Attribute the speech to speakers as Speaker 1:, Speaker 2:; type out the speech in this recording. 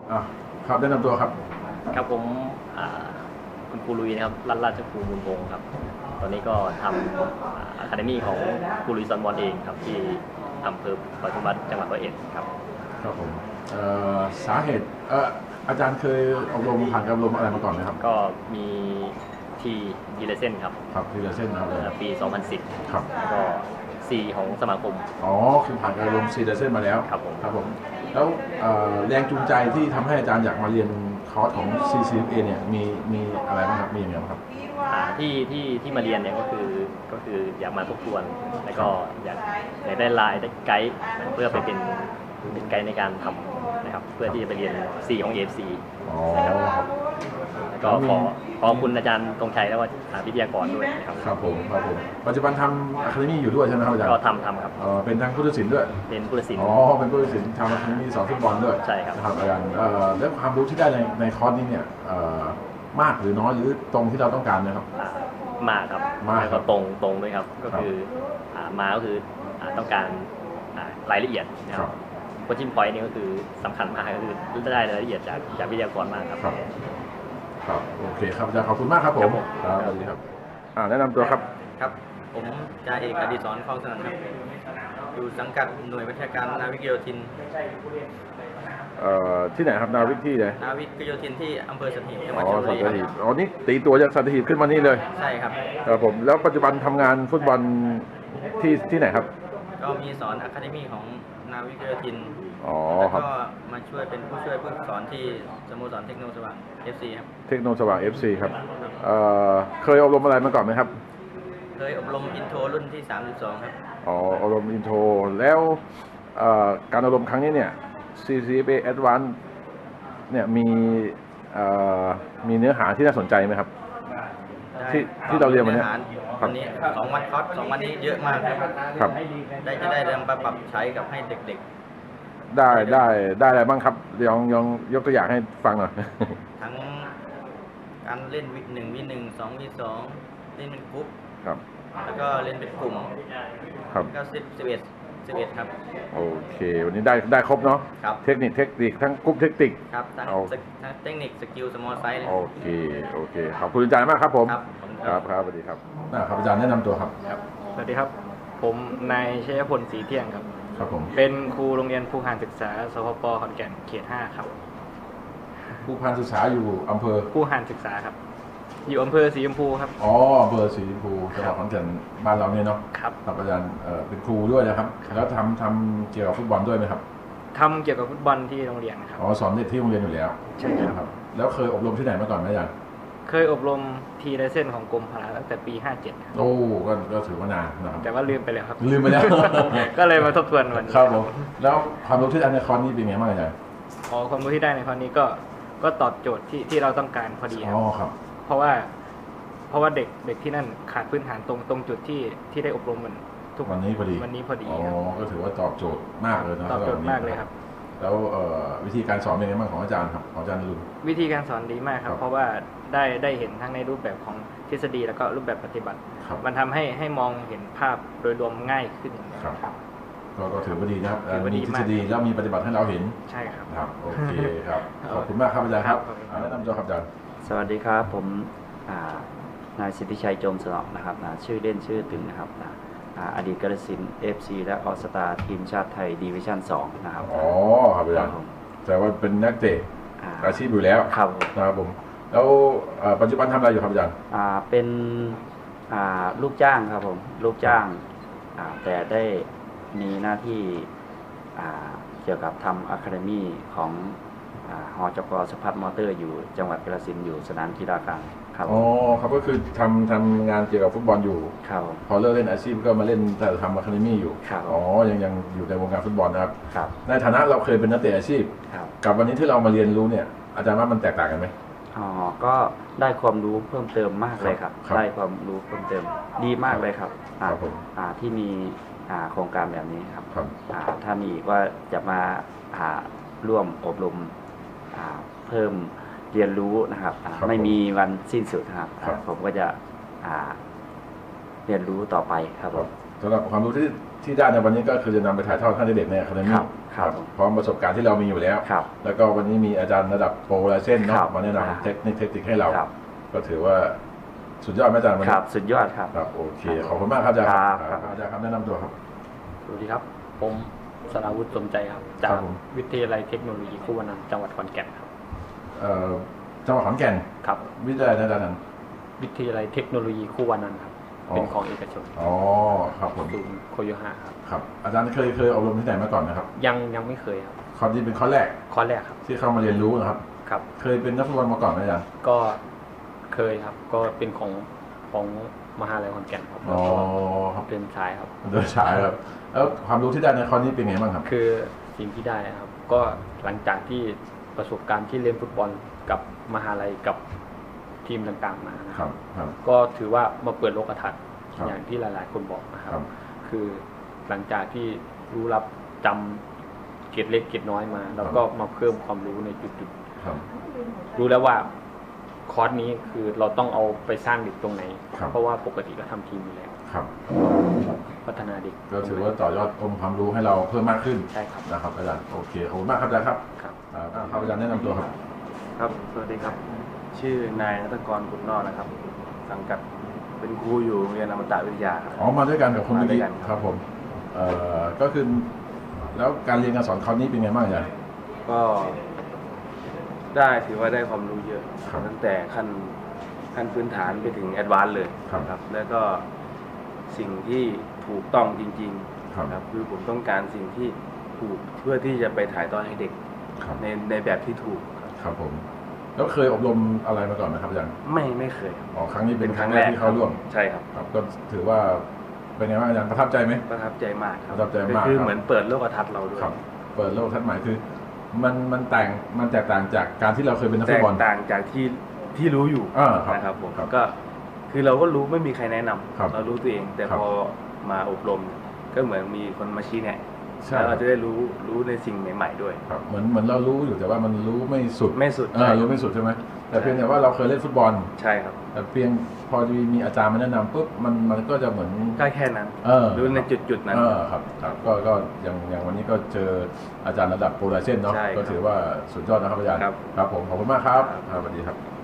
Speaker 1: อ่ะครับแนะนำตัวครับ
Speaker 2: ครับผมคุณครูลุยนะครับรัตนราชครูมูลวงศ์ครับตอนนี้ก็ทำอะคาเดมี่ของครูลุยซอนบอลเองครับที่อำเภอปทุมวันจังหวัดร้อยเอ็ดครับ
Speaker 1: ครับผมสาเหตุอาจารย์เคยอบรมผ่านการอบรมอะไรมาก่อนไหมครับ
Speaker 2: ก็มีทีดีเลเซนครับ
Speaker 1: ครับทีละเส้นนะครับ
Speaker 2: ปี 2010
Speaker 1: ครับ
Speaker 2: แล้วก็ซีของสมาคม
Speaker 1: อ๋อคือผ่านการอบรมซีเดเส้นมาแล้ว
Speaker 2: ครับผม
Speaker 1: ครับผมแล้วแรงจูงใจที่ทำให้อาจารย์อยากมาเรียนคอร์สของ CCFA เนี่ยมีอะไรบ้างครับมีอย่างไรบ้างครับ
Speaker 2: ที่มาเรียนเนี่ยก็คืออยากมาทบทวนแล้วก็อยากได้ไลน์ได้ไกด์เพื่อไปเป็นไกด์ในการทำนะครับเพื่อที่จะไปเรียน C ของ AFC
Speaker 1: อ๋อ
Speaker 2: นะครับ
Speaker 1: ครับ
Speaker 2: แล้วก็ขอคุณอาจารย์ตรงชัยและว่าวิทยากรด้วยนะครับ
Speaker 1: ครับผมปัจจุบันทำอะคาเดมี่อยู่ด้วยใช่ไหมครับอาจารย์
Speaker 2: ก็ทำครับ
Speaker 1: เป็นทางผู้ตัดสินด้วย
Speaker 2: เป็นผู้ตัดสิน
Speaker 1: อ๋อเป็นผู้ตัดสินทำอะคาเดมี่สอนฟุตบอลด้วย
Speaker 2: ใช่ครับ
Speaker 1: นะครับอาจารย์แล้วความรู้ที่ได้ในคอร์สนี้เนี่ยมากหรือน้อยหรือตรงที่เราต้องการนะครับ
Speaker 2: มากครับแล้วก็ตรงด้วยครับก็คือมาก็คือต้องการรายละเอียดนะครับโคชชิ่งพอยต์นี่ก็คือสำคัญมากก็คือได้รายละเอียดจากวิทยากรมากครับ
Speaker 1: ครับโอเคครับอาจารย์ขอบคุณมากครับผมครับสวัสดีครับแนะนำตัวครับ
Speaker 3: ครับผมจ่าเอกอดิศรคลองสนั่นครับอยู่สังกัดหน่วยวิชาการนาวิกโยธิน
Speaker 1: ที่ไหนครับนาวิกที่ไหน
Speaker 3: นาวิกโยธินที่อำเภอสัตหีบจังหวัดชลบุ
Speaker 1: สั
Speaker 3: รี
Speaker 1: ตหีบนี่ตีตัวจากสัตหีบขึ้นมานี่เลย
Speaker 3: ใช่ครับ
Speaker 1: ครับผมแล้วปัจจุบันทำงานฟุตบอลที่ไหนครับ
Speaker 3: ก็มีสอนอะคาเดมี่ของนาวิกโยธิน
Speaker 1: แล้ว
Speaker 3: ก็มาช่วยเป็นผู้ช่วยผู้สอนที่สโมสรเทคโนสว่าง FC ครับ
Speaker 1: เทคโนสว่าง FC ครับเคยอบรมอะไรมาก่อนไหมครับ
Speaker 3: เคยอบรมอินโทรรุ่นที่32ครับ
Speaker 1: อบรมอินโทรแล้วการอบรมครั้งนี้เนี่ย CCFA Advance เนี่ยมีเนื้อหาที่น่าสนใจไหมครับที่เราเรียนวันนี้
Speaker 3: วันนี้2 วันคอร์ส2 วันนี้เยอะมากครับจะได้นำมาปรับใช้กับให้เด็ก
Speaker 1: ๆได้อะไรบ้างครับลองยกตัวอย่างให้ฟังหน่อย
Speaker 3: ทั้งการเล่น1v1 2v2 เล่นเป็นกรุ๊ป
Speaker 1: ครับ
Speaker 3: แล้วก็เล่นเป็นกลุ่ม
Speaker 1: ครับ
Speaker 3: ก็11ครับ
Speaker 1: โอเควันนี้ได้ครบเนาะเทคนิคทั้งกรุ๊ปเทคนิค
Speaker 3: ครับทั้งเทคนิคสกิลสมอลไซส์เลย
Speaker 1: โอเคขอบคุณอาจารย์มากครับผมครับสวัสดีครับครับอาจารย์แนะนำตัวครับ
Speaker 4: สวัสดีครับผมนายชัยพลศรีเที่ยงครับ
Speaker 1: ครับผม
Speaker 4: เป็นครูโรงเรียนภูหานศึกษาสพป.ขอนแก่นเขต 5ครับ
Speaker 1: ภูหานศึกษาอยู่อำเภอ
Speaker 4: ภูหานศึกษาครับอยู่อำเภอสีชมพูครับ
Speaker 1: อำเภอสีชมพูจังหวัดขอนแก่นบ้านเราเนี่ยเนาะ
Speaker 4: ครับ
Speaker 1: อาจารย์เป็นครูด้วยนะครับแล้วทำเกี่ยวกับฟุตบอลด้วยไหมครับ
Speaker 4: ทำเกี่ยวกับฟุตบอลที่โรงเรียนครับ
Speaker 1: สอนเด็กที่โรงเรียนอยู่แล้ว
Speaker 4: ใช่ครับ
Speaker 1: แล้วเคยอบรมที่ไหนมาก่อนไหมอาจารย์
Speaker 4: เคยอบรมทีไลเซนของกรมพละตั้งแต่ปี 57
Speaker 1: ก็ถือว่านานนะครับ
Speaker 4: แต่ว่าลืมไปแล้วครับก็เลยมาทบทวนวันนี้
Speaker 1: ครับผมแล้วความรู้ที่ได้ในคอร์สนี้เป็นไงบ้างอาจารย์
Speaker 4: ความรู้ที่ได้ในคอร์สนี้ก็ตอบโจทย์ที่เราต้องการพอดี
Speaker 1: ครับ
Speaker 4: เพราะว่าเด็กที่นั่นขาดพื้นฐานตรงจุดที่ได้อบรมมันทุก
Speaker 1: วันนี้พอดีก็ถือว่าตอบโจทย์มากเลยนะ
Speaker 4: ตอบโจทย์มากเลยครับ
Speaker 1: แล้ววิธีการสอนเป็นไงบ้างของอาจารย์ครับของอาจารย์นรุน
Speaker 4: วิธีการสอนดีมากครับเพราะว่าได้เห็นทั้งในรูปแบบของทฤษฎีแล้วก็รูปแบบปฏิบัติมันทำให้มองเห็นภาพโดยรวมง่ายขึ้น
Speaker 1: ครับก็ถือว่าดีนะครับมีทฤษฎีแล้วมีปฏิบัติให้เราเห็น
Speaker 4: ใช่ครับ
Speaker 1: โอเคครับขอบคุณมากครับอาจารย์ครับแนะนำตัวครับอาจารย์
Speaker 5: สวัสดีครับผมนายสิทธิชัยโจมสนอนะครับชื่อเล่นชื่อตึงนะครับอดีตกาฬสินธุ์ FC และออสตาทีมชาติไทยดิวิชั่น2นะครับ
Speaker 1: ครับอาจารย์แต่ว่าเป็นนักเตะอาชีพอยู่แล้วนะครับผมแล้วปัจจุบันทำอะไรอยู่ครับอาจารย์
Speaker 5: เป็นลูกจ้างครับผมลูกจ้างแต่ได้มีหน้าที่เกี่ยวกับทำอะคาเดมี่ของหจก.สพัฒน์มอเตอร์อยู่จังหวัดกาฬสินธุ์อยู่สนามกีฬากลางครับ
Speaker 1: ครับก็คือทำงานเกี่ยวกับฟุตบอลอยู่พอเลิกเล่นอาชีพก็มาเล่นแต่ทำอะคาเดมี่อยู่ยังอยู่ในวงการฟุตบอลนะครับในฐานะเราเคยเป็นนักเตะอาชีพกับวันนี้ที่เรามาเรียนรู้เนี่ยอาจารย์ว่ามันแตกต่างกันไหม
Speaker 5: ก็ได้ความรู้เพิ่มเติมมากเลยครับได้ความรู้เพิ่มเติมดีมากเลยครับที่มีโครงการแบบนี้ครับถ้ามีอีกว่าจะมาร่วมอบรมเพิ่มเรียนรู้นะครับไม่มีวันสิ้นสุดครับผมก็จะเรียนรู้ต่อไปครับ
Speaker 1: สำหรับความรู้ที่ได้ในวันนี้ก็คือจะนำไปถ่ายทอดให้เด็กในอะคาเดมี่
Speaker 5: ครับ
Speaker 1: พร้อมประสบการณ์ที่เรามีอยู่แล้ว
Speaker 5: ครับ
Speaker 1: แล้วก็วันนี้มีอาจารย์ระดับโปรไลเซนเนาะ
Speaker 5: ครับ
Speaker 1: มาแนะนำเทคนิคให้เรา
Speaker 5: ครับ
Speaker 1: ก็ถือว่าสุดยอดไหมอาจารย์วัน
Speaker 5: ค
Speaker 1: นี้
Speaker 5: รับสุดยอดครับ
Speaker 1: ครับโอเคขอบคุณมากครับอาจารย์
Speaker 5: ครับ
Speaker 1: อาจารย์ครับแนะนำตัวครับ
Speaker 4: สวัสดีครับ ผมสราวุฒิสมใจครับ จา
Speaker 1: ครั
Speaker 4: ก
Speaker 1: บผม
Speaker 4: วิทยาลัยเทคโนโลยีคู่วนันท์จังหวัดขอนแก่นครับ
Speaker 1: จังหวัดขอนแก่น
Speaker 4: ครับ
Speaker 1: วิทยาลัยอาจารย์นั้น
Speaker 4: วิทยาลัยเทคโนโลยีคู่วนันท์ครับ
Speaker 1: อ๋อ
Speaker 4: เป็นของเอกชน
Speaker 1: อ๋อครับผม
Speaker 4: ศูนย์โคโยฮะครับ
Speaker 1: ครับอาจารย์เคยอบรมที่ไหนมาก่อนนะครับ
Speaker 4: ยังไม่เคยครับ
Speaker 1: คอร์สนี้เป็นคอร์สแรก
Speaker 4: ข้อแรกครับ
Speaker 1: ที่เข้ามาเรียนรู้นะครับ
Speaker 4: ครับ
Speaker 1: เคยเป็นนักฟุตบอลมาก่อนไหมอาจารย์
Speaker 4: ก็เคยครับ ก็เป็นของมหาลัยขอนแก่นครับ
Speaker 1: อ๋อครับ
Speaker 4: เป็นชายครับ
Speaker 1: โดยฉายครับแล้วความรู้ที่ได้ในคอร์สนี้เป็นไงบ้างครับ
Speaker 4: คือสิ่งที่ได้นะครับ ก็หลังจากที่ประสบการณ์ที่เล่นฟุตบอลกับมหาลัยกับทีมต่างๆมานะ
Speaker 1: ค
Speaker 4: ค
Speaker 1: รั
Speaker 4: รั
Speaker 1: บบ ครับ
Speaker 4: ก็ถือว่ามาเปิดโลกทัศน์
Speaker 1: ครับ
Speaker 4: อย่างที่หลายๆ คนบอกนะค
Speaker 1: ครั
Speaker 4: รับ
Speaker 1: บ
Speaker 4: คือหลังจากที่รู้รับจำเกร็ดเล็กเกร็ดน้อยมา แล้วก็มาเพิ่มความรู้ในจุด
Speaker 1: ครับ
Speaker 4: ๆรู้แล้วว่าคอร์สนี้คือเราต้องเอาไปสร้างเด็กตรงไหน
Speaker 1: ครับ
Speaker 4: เพราะว่าปกติก็ทำทีมอยู่แล้ว
Speaker 1: ครับ
Speaker 4: พัฒนาเด็ก
Speaker 1: ก็ถือว่าต่อยอดองค์ความรู้ให้เราเพิ่มมากขึ้น
Speaker 4: ใช่ครับ
Speaker 1: นะครับอาจารย์โอเคขอบคุณมากครับอาจารย์ครับ
Speaker 4: ครับ
Speaker 1: ครับอาจารย์แนะนำตัวครับ
Speaker 6: ครับ สวัสดีครับ ชื่อนายนัทกรกุลนอกนะครับ สังกัดเป็นครูอยู่โรงเรียนอมตะวิทยาครับ
Speaker 1: อ๋อมาด้วยกันกับคนเมื่อกี้
Speaker 6: มาด้วยกัน
Speaker 1: ครับผมก็คือแล้วการเรียนการสอนคราวนี้เป็นไงบ้างอาจารย์
Speaker 6: ก็ได้ถือว่าได้ความรู้เยอะ
Speaker 1: ครับ
Speaker 6: ตั้งแต่ขั้นพื้นฐานไปถึงแอดวานซ์เลย
Speaker 1: ครับ
Speaker 6: แล้วก็สิ่งที่ถูกต้องจริง
Speaker 1: ครับ
Speaker 6: ๆครับคือผมต้องการสิ่งที่ถูกเพื่อที่จะไปถ่ายทอดให้เด็ก
Speaker 1: ครับ
Speaker 6: ในแบบที่ถูกครับ
Speaker 1: ครับผมแล้วเคยอบรมอะไรมาก่อนไหมครับอาจารย์
Speaker 6: ไม่เคยครับ
Speaker 1: อ๋อครั้งนี้เป็นครั้งแรกที่เข้าร่วม
Speaker 6: ใช่ครับ
Speaker 1: ครับก็ถือว่าเป็นไงบ้างอาจารย์ประทับใจไหม
Speaker 6: ประทับใจมากครับ
Speaker 1: ประทับใจมาก
Speaker 6: คือ
Speaker 1: ครับ
Speaker 6: เหมือนเปิดโลกทัศน์เราด้วย
Speaker 1: ครับเปิดโลกทัศน์ใหม่คือมันแตกต่างจากการที่เราเคยเป็นนัก
Speaker 6: แต
Speaker 1: ฟุต
Speaker 6: ก
Speaker 1: บอล
Speaker 6: ต่างจากที่รู้อยู่
Speaker 1: ครับ
Speaker 6: นะครับผม
Speaker 1: ครับ
Speaker 6: ก็คือเราก็รู้ไม่มีใครแนะนำ
Speaker 1: ครับ
Speaker 6: เรารู้ตัวเอง แต่
Speaker 1: ครับ
Speaker 6: พอมาอบรม ก็เหมือนมีคนมาชี้แนะ
Speaker 1: ใช่
Speaker 6: แล้วเราจะได้รู้ในสิ่งใหม่ๆด้วย
Speaker 1: ครับเหมือนเรารู้อยู่แต่ว่ามันรู้ไม่สุด
Speaker 6: ไม่สุด
Speaker 1: รู้ไม่สุดใช่ไหมแต่เพียงแต่ว่าเราเคยเล่นฟุตบอล
Speaker 6: ใช่ครับ
Speaker 1: แต่เพียงพอมีอาจารย์มาแนะนำปุ๊บมันก็จะเหมือน
Speaker 6: ก็แค่นั้น รู้ในจุดๆนั้น
Speaker 1: ครับก็อย่างวันนี้ก็เจออาจารย์ระดับโปรไลเซนเนาะ
Speaker 6: ใช่ครับ
Speaker 1: ก็ถือว่าสุดยอดนะครับอาจารย์
Speaker 6: ครับ
Speaker 1: ครับผมขอบคุณมากครับ
Speaker 6: ครับ
Speaker 1: สวัสดีครับ